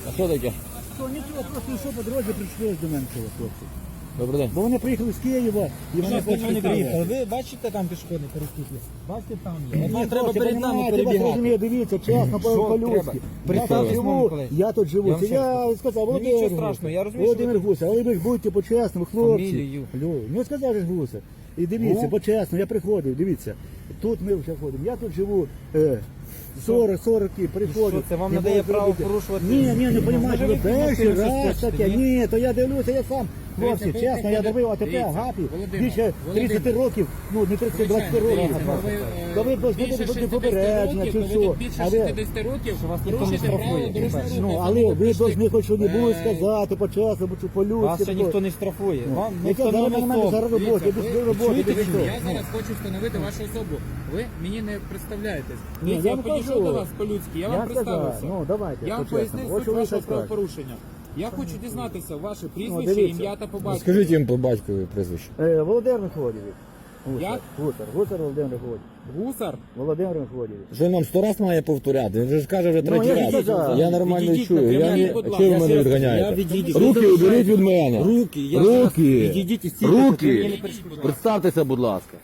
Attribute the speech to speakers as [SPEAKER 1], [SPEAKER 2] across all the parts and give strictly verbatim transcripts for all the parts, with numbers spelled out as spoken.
[SPEAKER 1] А що таке?
[SPEAKER 2] То нічого, просто йшов по дорозі, прийшли до мене цього хлопці.
[SPEAKER 1] Добрий день.
[SPEAKER 2] Бо вони приїхали з Києва і вони
[SPEAKER 3] Вони
[SPEAKER 2] хочуть
[SPEAKER 3] приїхали. Ви бачите там пішохідний перехід? Бачите там є.
[SPEAKER 2] Ні,
[SPEAKER 3] Вам треба
[SPEAKER 2] хлопці,
[SPEAKER 3] перед нами
[SPEAKER 2] понімаєте, вас
[SPEAKER 3] перебігати.
[SPEAKER 2] розуміє, дивіться, чесно,
[SPEAKER 3] Що
[SPEAKER 2] по-людськи.
[SPEAKER 3] треба?
[SPEAKER 2] Я тут
[SPEAKER 3] Представтесь,
[SPEAKER 2] живу,
[SPEAKER 3] Миколаївич.
[SPEAKER 2] я тут живу.
[SPEAKER 3] Я
[SPEAKER 2] Це
[SPEAKER 3] вам ще
[SPEAKER 2] я
[SPEAKER 3] раз
[SPEAKER 2] сказав,
[SPEAKER 3] Ну,
[SPEAKER 2] Володимир
[SPEAKER 3] нічого
[SPEAKER 2] Гуса.
[SPEAKER 3] страшного, я розумію, що
[SPEAKER 2] Володимир Гуса, але ви ж будьте по-чесному, хлопці.
[SPEAKER 3] Фамілію.
[SPEAKER 2] Лю, ну сказав же ж Гуса. І дивіться,
[SPEAKER 3] Ну?
[SPEAKER 2] по-чесно, я приходив, дивіться. Тут ми вже ходимо, я тут живу. Е, сорок сорок приходжу.
[SPEAKER 3] Що це, вам
[SPEAKER 2] Не
[SPEAKER 3] надає
[SPEAKER 2] було
[SPEAKER 3] право
[SPEAKER 2] зробити.
[SPEAKER 3] порушувати?
[SPEAKER 2] Ні, ні, не
[SPEAKER 3] Ну,
[SPEAKER 2] розумієте,
[SPEAKER 3] може,
[SPEAKER 2] ви
[SPEAKER 3] ви
[SPEAKER 2] перший
[SPEAKER 3] підносили
[SPEAKER 2] раз
[SPEAKER 3] щось
[SPEAKER 2] таке.
[SPEAKER 3] хочете, ні?
[SPEAKER 2] Ні, то я дивлюся, я сам. Хлопці,
[SPEAKER 4] Дивіться, ви
[SPEAKER 2] чесно, я
[SPEAKER 4] приходите-
[SPEAKER 2] давив АТП,
[SPEAKER 4] Дивіться,
[SPEAKER 2] Агапі,
[SPEAKER 4] Володимир,
[SPEAKER 2] більше тридцять
[SPEAKER 4] Володимир.
[SPEAKER 2] років, ну не тридцять, двадцять
[SPEAKER 4] Звичайно,
[SPEAKER 2] років.
[SPEAKER 4] дивіться, ви, е,
[SPEAKER 2] То ви
[SPEAKER 4] більше
[SPEAKER 2] будете
[SPEAKER 4] шістдесят
[SPEAKER 2] попередження
[SPEAKER 4] років,
[SPEAKER 2] чи
[SPEAKER 4] то ви
[SPEAKER 2] що.
[SPEAKER 4] тут більше
[SPEAKER 2] А ви,
[SPEAKER 4] шістдесят років
[SPEAKER 3] Що вас ніхто не
[SPEAKER 4] порушуєте
[SPEAKER 3] штрафує,
[SPEAKER 4] правила дорожнього
[SPEAKER 3] по-перше.
[SPEAKER 4] руху.
[SPEAKER 2] ну,
[SPEAKER 4] Це
[SPEAKER 2] але ви
[SPEAKER 4] прийшли.
[SPEAKER 2] повинні хоч що-небудь
[SPEAKER 4] Е,
[SPEAKER 2] сказати, по-чесному, чи по-людськи.
[SPEAKER 3] Вас ще ніхто не штрафує. Вам
[SPEAKER 2] Яке
[SPEAKER 3] ніхто
[SPEAKER 2] зараз
[SPEAKER 3] не
[SPEAKER 2] на мене зараз
[SPEAKER 3] особо.
[SPEAKER 2] робота,
[SPEAKER 4] Дивіться,
[SPEAKER 2] без
[SPEAKER 4] ви
[SPEAKER 2] роботи,
[SPEAKER 3] чуєте
[SPEAKER 2] без
[SPEAKER 3] чи
[SPEAKER 2] того.
[SPEAKER 4] Я зараз хочу встановити вашу особу. Ви мені не представляєтесь.
[SPEAKER 2] Ні,
[SPEAKER 4] Дивіться,
[SPEAKER 2] я
[SPEAKER 4] я
[SPEAKER 2] не
[SPEAKER 4] підійшов
[SPEAKER 2] кажу.
[SPEAKER 4] до вас по-людськи, я вам
[SPEAKER 2] Я сказав,
[SPEAKER 4] представився.
[SPEAKER 2] ну давайте,
[SPEAKER 4] Я вам
[SPEAKER 2] по-чесному.
[SPEAKER 4] пояснив
[SPEAKER 2] Ось
[SPEAKER 4] суть
[SPEAKER 2] що ви
[SPEAKER 4] вашого
[SPEAKER 2] так кажете.
[SPEAKER 4] правопорушення. Я хочу дізнатися ваше прізвище,
[SPEAKER 2] Ну, дивіться.
[SPEAKER 4] ім'я та по батькові.
[SPEAKER 1] Скажіть їм по батькові прізвище.
[SPEAKER 2] Е, Володимир Михайлович. Гусар,
[SPEAKER 4] Як?
[SPEAKER 2] Гусар, Гусар Володимир Михайлович.
[SPEAKER 4] Гусар?
[SPEAKER 2] Володимир Михайлович.
[SPEAKER 1] Що нам сто раз має повторяти? Він же ж каже вже
[SPEAKER 2] Ну,
[SPEAKER 1] третій
[SPEAKER 2] я ж
[SPEAKER 1] раз.
[SPEAKER 2] сказав.
[SPEAKER 1] Я нормально
[SPEAKER 3] Відійдіть
[SPEAKER 1] чую.
[SPEAKER 3] на
[SPEAKER 1] Я
[SPEAKER 3] прямий,
[SPEAKER 1] не...
[SPEAKER 4] будь
[SPEAKER 1] Чого ви
[SPEAKER 4] ласка.
[SPEAKER 1] мене
[SPEAKER 3] Я
[SPEAKER 1] відганяєте?
[SPEAKER 3] відійду.
[SPEAKER 1] Руки уберіть від мене.
[SPEAKER 3] Руки, я зараз
[SPEAKER 1] Руки.
[SPEAKER 3] відійдіть і стійте, поки мені не
[SPEAKER 1] Руки.
[SPEAKER 3] перешкоджаєте.
[SPEAKER 1] Представтеся, будь ласка.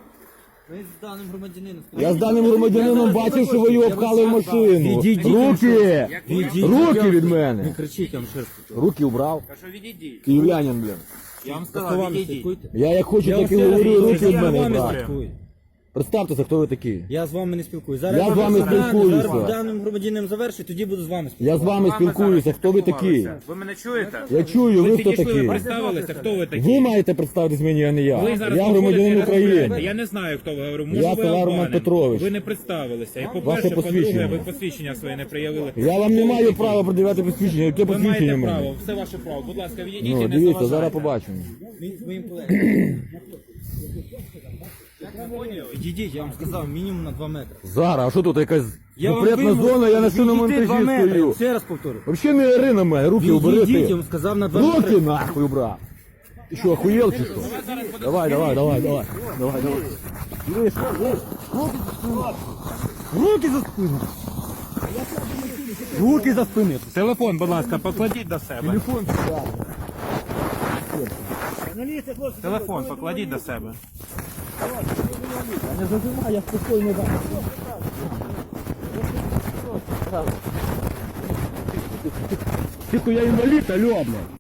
[SPEAKER 3] Ви з даним громадянином.
[SPEAKER 1] Я з даним громадянином бачив, що ви його впхали в машину.
[SPEAKER 3] Відійдіть.
[SPEAKER 1] Руки!
[SPEAKER 3] Відійдіть.
[SPEAKER 1] Руки від
[SPEAKER 3] Не
[SPEAKER 1] мене.
[SPEAKER 3] кричіть, я вам ще раз кажу.
[SPEAKER 1] Руки убрав.
[SPEAKER 4] Кажу, відійдіть.
[SPEAKER 1] Київлянин, блін.
[SPEAKER 4] Я вам
[SPEAKER 3] За
[SPEAKER 4] сказав,
[SPEAKER 3] словами
[SPEAKER 4] відійдіть.
[SPEAKER 3] слідкуйте.
[SPEAKER 1] Я як хочу,
[SPEAKER 3] Я вам
[SPEAKER 1] так і
[SPEAKER 3] ще раз
[SPEAKER 1] говорю,
[SPEAKER 3] кажу,
[SPEAKER 1] руки від
[SPEAKER 3] я з
[SPEAKER 1] мене
[SPEAKER 3] вами
[SPEAKER 1] убрав.
[SPEAKER 3] спілкуюсь.
[SPEAKER 1] Представтеся, хто ви такий.
[SPEAKER 3] Я з вами не спілкуюсь.
[SPEAKER 1] Я з вами
[SPEAKER 3] зараз
[SPEAKER 1] спілкуюся.
[SPEAKER 3] Зараз даним громадянином завершу, тоді буду з вами
[SPEAKER 1] Я
[SPEAKER 3] спілкуватися.
[SPEAKER 1] з вами спілкуюся, хто ви такий?
[SPEAKER 4] Ви мене чуєте?
[SPEAKER 1] Я чую, ви хто
[SPEAKER 4] Тільки що ви
[SPEAKER 1] такий?
[SPEAKER 4] представилися, хто ви такі?
[SPEAKER 1] Ви маєте представитись мені, а не я.
[SPEAKER 4] Ви зараз
[SPEAKER 1] Я громадянин
[SPEAKER 4] виходите і
[SPEAKER 1] України.
[SPEAKER 4] розмовляєте. Я не знаю, хто ви говорю. Може,
[SPEAKER 1] Я
[SPEAKER 4] ви
[SPEAKER 1] Ковар Роман
[SPEAKER 4] Албанин.
[SPEAKER 1] Петрович.
[SPEAKER 4] Ви не представилися. І
[SPEAKER 1] Ваше
[SPEAKER 4] по-перше, по-друге,
[SPEAKER 1] посвідчення.
[SPEAKER 4] ви посвідчення своє не проявили.
[SPEAKER 1] Я вам не маю права продавати посвідчення. Яке
[SPEAKER 4] Ви
[SPEAKER 1] посвідчення
[SPEAKER 4] маєте
[SPEAKER 1] в мене?
[SPEAKER 4] право, все ваше право. Будь ласка, відійдіть і
[SPEAKER 1] Ну,
[SPEAKER 4] не
[SPEAKER 1] дивіться,
[SPEAKER 4] заважайте.
[SPEAKER 1] зараз побачимо.
[SPEAKER 3] Він з моїм колегом. Відійдіть, я вам сказав, мінімум на два метри.
[SPEAKER 1] Зараз, а що тут якась
[SPEAKER 3] Я вам
[SPEAKER 1] запретна
[SPEAKER 3] вимогу-
[SPEAKER 1] зона, я на шиному
[SPEAKER 3] Відійдіть два
[SPEAKER 1] монтажі
[SPEAKER 3] метри.
[SPEAKER 1] стою.
[SPEAKER 3] Ще раз повторю.
[SPEAKER 1] Взагалі не ори на мене, руки убери
[SPEAKER 3] Відійдіть, я
[SPEAKER 1] ти.
[SPEAKER 3] вам сказав на два
[SPEAKER 1] Руки
[SPEAKER 3] метри.
[SPEAKER 1] нахуй, брат. Ти що, охуєл чи що? Давай, давай, давай, давай. Давай, давай. Дивись, дивись. Руки за спину. Руки за спину.
[SPEAKER 4] Телефон, будь ласка, покладіть до себе.
[SPEAKER 1] Телефон сюди.
[SPEAKER 2] Журналісти, хлопці,
[SPEAKER 4] Телефон покладіть до себе.
[SPEAKER 1] Я не зажимаю, я спокійно дам. Тихо, я інвалід, алло, блядь.